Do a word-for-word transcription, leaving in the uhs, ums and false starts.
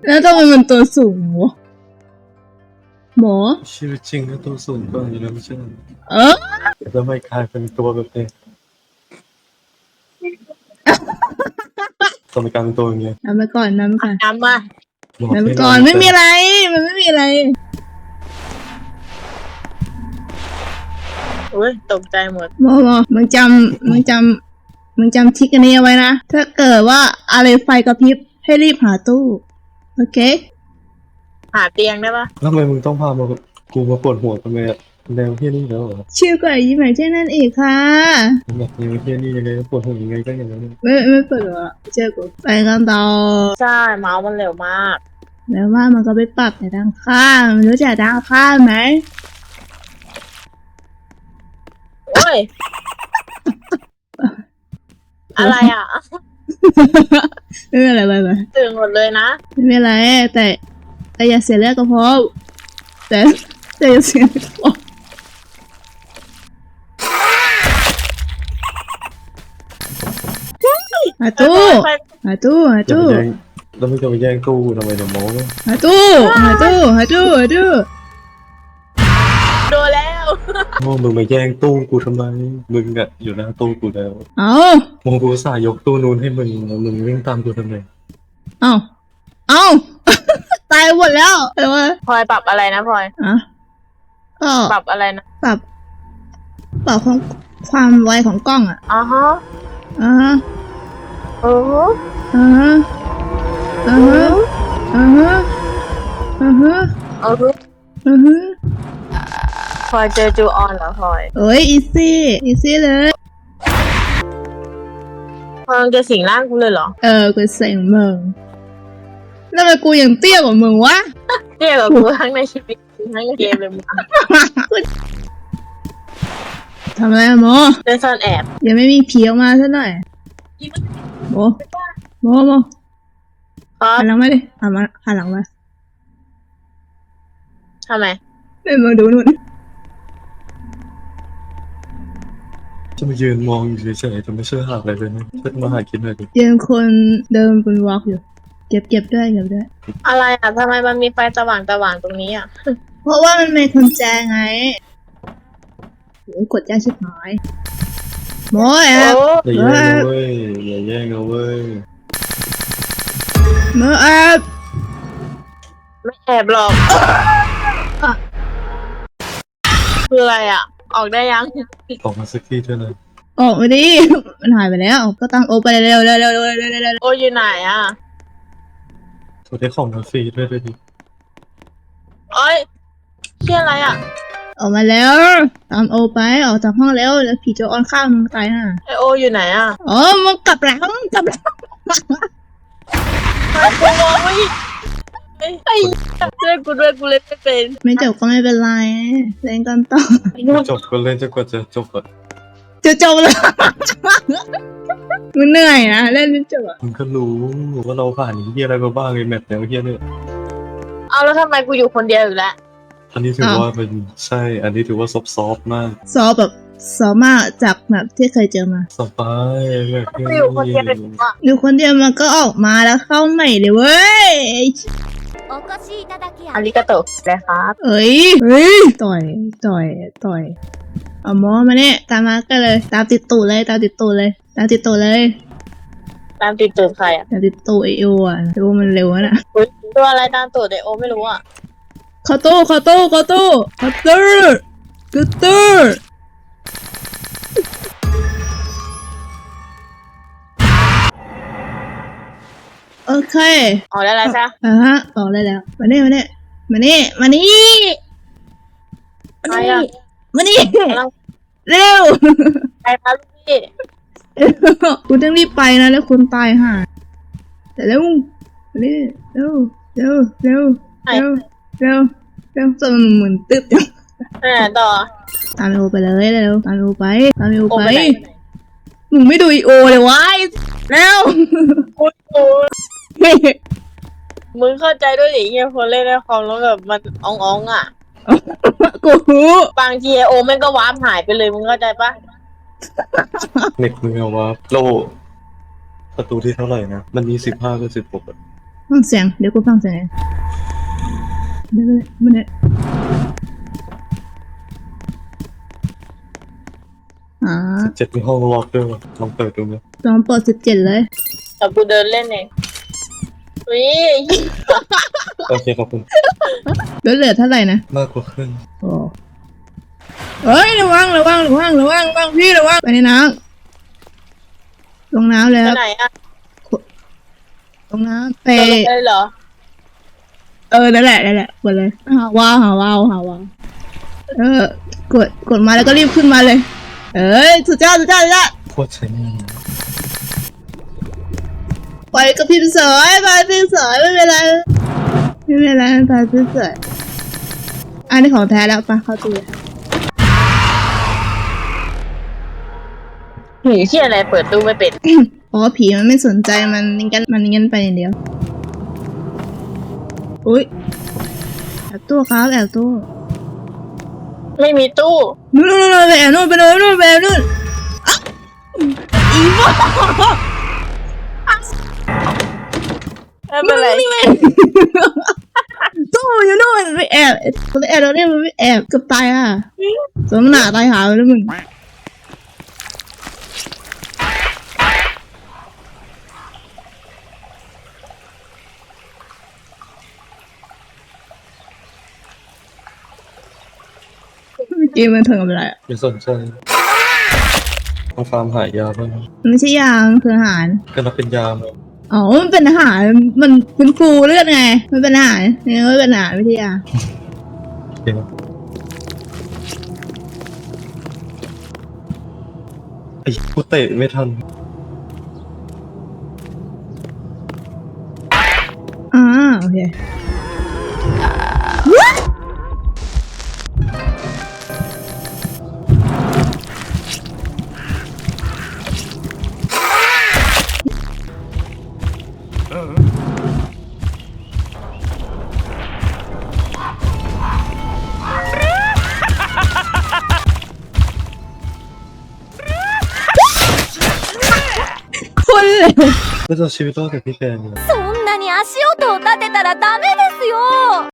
แล้วทำไมมันตัวสูงวะหมอชีวิตจริงก็ตัวสูงกว่าอยู่แล้วไม่ใช่เออแล้วไม่กลายเป็นตัวแบบนี้ทำไมกลายเป็นตัวอย่างเงี้ยนำไปก่อนนำไปก่อนน้ำมานำไปก่อนไม่มีอะไรมันไม่มีอะไรอุ้ยตกใจหมดหมอหมอมึงจำมึงจำมึงจำทิกอันนี้เอาไว้นะถ้าเกิดว่าอะไรไฟกระพริบให้รีบหาตู้โอเคหาเตียงได้ปะแล้วทำไมมึงต้องพามากูมาปวดหัวทำไมอะแนวเฮี้ยนี่แล้วเหรอชิวกว่ายิ้มแบบเช่นนั้นอีกค่ะแบบแนวเฮี้ยนี่ยังไงปวดหัวยังไงก็อย่างนั้นไม่ไม่เปิดหรอเจอกูไปกันต่อใช่เมาส์มันเร็วมากแล้วว่ามันก็ไปปรับแต่ด้านข้างมันรู้จักด้านข้างไหมโอ้ย อะไรอ่ะไม่เป็นไรไปไปตื่นหมดเลยนะไม่เป็นไรแต่แต่อย่าเสียเลือดก็พอแต่แต่อย่าเสียเลือดก็พอหาตู้หาตู้หาตู้แล้วไม่จะไปแย่งตู้ทำไมเดี๋ยวโม้หาตู้หาตู้หาตู้หาตู้โดนแล้วโม้มึงมาแย่งตู้กูทำไมมึงอะอยู่หน้าตู้กูแล้วเอาโม้กูสายยกตู้นู้นให้มึงมึงวิ่งตามกูทำไมเอาเอาตายหมดแล้วแต่ว่าพลอยปรับอะไรนะพลอยอ่ะก็ปรับอะไรนะปรับปรับของความไวของกล้องอ่ะอ๋อฮะอ่าฮะโอ้โหอ่าฮะอ่าฮะอ่าฮะอ่าฮะโอ้โหอ่าฮะพลอยเจอจูออนเหรอพลอยโอ้ยอีซี่อีซี่เลยพลอยจะสิงร่างกูเลยเหรอเออกูเสียงมึงแล้วทำไมกูยังเตี้ยกว่ามึงวะเตี้ยกว่ากูทั้งในชีวิตทั้งในเกมเลยมึงทำไมอะโมเล่นซ่อนแอบยังไม่มีผีออกมาซะหน่อยโมโมโมหันหลังมาดิหันมาหันหลังมาทำไมเดินมาดูนู่นจะมายืนมองอยู่เฉยๆจะไม่เชื่อหาอะไรเลยนะจะมาหาคิดหน่อยดิยังคนเดินบนวอล์กอยู่เก็บเก็บด้วยเก็บด้วยอะไรอ่ะทำไมมันมีไฟสว่างสว่างตรงนี้อ่ะเพราะว่ามันเป็นกุญแจไงโอ้กดยากชิบหายโมแอบอย่าแย่งเอาเว้ยอย่าแย่งเอาเว้ยโมแอบไม่แอบหรอกคืออะไรอ่ะออกได้ยังออกมาสักทีเท่านั้นออกมาดิมันหายไปแล้วก็ตั้งโอไปเร็วเร็วเร็วเร็วเร็วเร็วโออยู่ไหนอ่ะโทรได้ของมาฟรีด้วยด้วยดิโอ้ยเชี่ยอะไรอ่ะออกมาแล้วตามโอไปออกจากห้องแล้วแล้วผีจะออนข้ามมึงตายห่าไอโออยู่ไหนอ่ะอ๋อมันกลับหลังกลับหลังกูมองไม่ไอ้ไอ้เล่นกูด้วยกูเล่นไม่เป็นไม่จบก็ไม่เป็นไรเล่นกันต่อจบก็เล่นจนกว่าจะจบอ่ะจะจบแล้วมันเหนื่อยนะเล่นจนจบอ่ะมึงก็รู้ว่าเราผ่านเฮียอะไรมาบ้างไอ้แมปแนวเฮียเนี่ยเอาแล้วทำไมกูอยู่คนเดียวอยู่แล้วอันนี้ถือว่าเป็นใช่อันนี้ถือว่าซอฟซอฟมากซอฟแบบซอฟมากจากแบบที่เคยเจอมาสบายแบบอยู่คนเดียวอยู่คนเดียวมันก็ออกมาแล้วเข้าใหม่เลยเว้ยอาริกาโตะเลยครับเอ้ยเฮ้ยต่อยต่อยต่อยเอาหมอมาเนี่ยตามมาก็เลยตามติดตูดเลยตามติดตูดเลยตามติดตูดเลยตามติดตูดใครอ่ะตามติดตูดไอโออ่ะไอโอมันเร็วนะตัวอะไรตามตูดไอโอไม่รู้อ่ะคาโต้คาโต้คาโต้คาโต้คาโต้โอเคออกได้แล้วใช่ไหมอ่าฮะออกได้แล้วมาเนี่ยมาเนี่ยมาเนี่ยมานี่มานี่มานี่เร็วไปครับพี่คุณต้องรีบไปนะแล้วคุณตายห่าแต่เร็วเร็วเร็วเร็วเร็วเร็วเร็วเร็วจนมันเหมือนตึ๊บจังไปไหนต่อตามโอไปเลยเร็วตามโอไปตามโอไปมึงไม่ดูอีโอเลยวะเร็วมึงเข้าใจด้วยดิเงี้ยคนเล่นในคอมแล้วแบบมันอ่องๆอ่ะกูบางทีโอแม่งก็วาร์ปหายไปเลยมึงเข้าใจปะเน็ตมึงเอาว่าโลประตูที่เท่าไหร่นะมันมีสิบห้ากับสิบหกฟังเสียงเดี๋ยวกูฟังเสียงเองไม่ไม่ไม่ได้อ่าเจ็ดมีห้องล็อกด้วยวะลองเปิดดูไหมลองเปิดสิบเจ็ดเลยแต่กูเดินเล่นเองวิโอเคขอบคุณแล้วเหลือเท่าไหร่นะมากกว่าครึ่งโอ้เฮ้ยระวังระวังระวังระวังระวังพี่ระวังไปในน้ำลงน้ำเลยไปครับไหนอ่ะลงน้ำไปเดินลงไปเลยเหรอเออนั่นแหละนั่นแหละกดเลยหาว้าวหาว้าวหาว้าวเออกดกดมาแล้วก็รีบขึ้นมาเลย เอ้ยสุดยอดสุดยอดสุดยอดโคตรใช้งานไปกับพิมพ์เสยไปพิมพ์เสยไม่เป็นไรไม่เป็นไรไปพิมพ์เสยอันนี้ของแท้แล้วปะเข้าตู้หนีเชี่ยอะไรเปิดตู้ไม่เป็นอ๋อผีมันไม่สนใจมันนิ่งกันมันนิ่งกันไปอย่างเดียวอุ้ยแอบตู้ครับแอบตู้ไม่มีตู้นู่นนู่นนู่นไปแอบนู่นไปนู่นนู่นไปแอบนู่นอ่ะอีบ้าไม่เป็นไรตู้อยู่นู่นไปแอบไปแอบเราเนี่ยมันไปแอบเกือบตายอ่ะสมหนาตายหาแล้วมึงเกมมันเถิงกับอะไรอ่ะไม่สนใจมาฟาร์มหายาบ้างมันไม่ใช่ยามันคืออาหารก็นับเป็นยาไหมอ๋อ มันเป็นอาหาร มันเป็นฟูเลือดไง มันเป็นอาหารเนี่ยมันเป็นอาหารวิทยาเดี๋ยวไอ้กูเตะไม่ทันอ่า โอเค คนเลยแล้วจะเอาชีวิตรอดจากพี่แกเนี่ยそんなに足音を立てたらダメですよ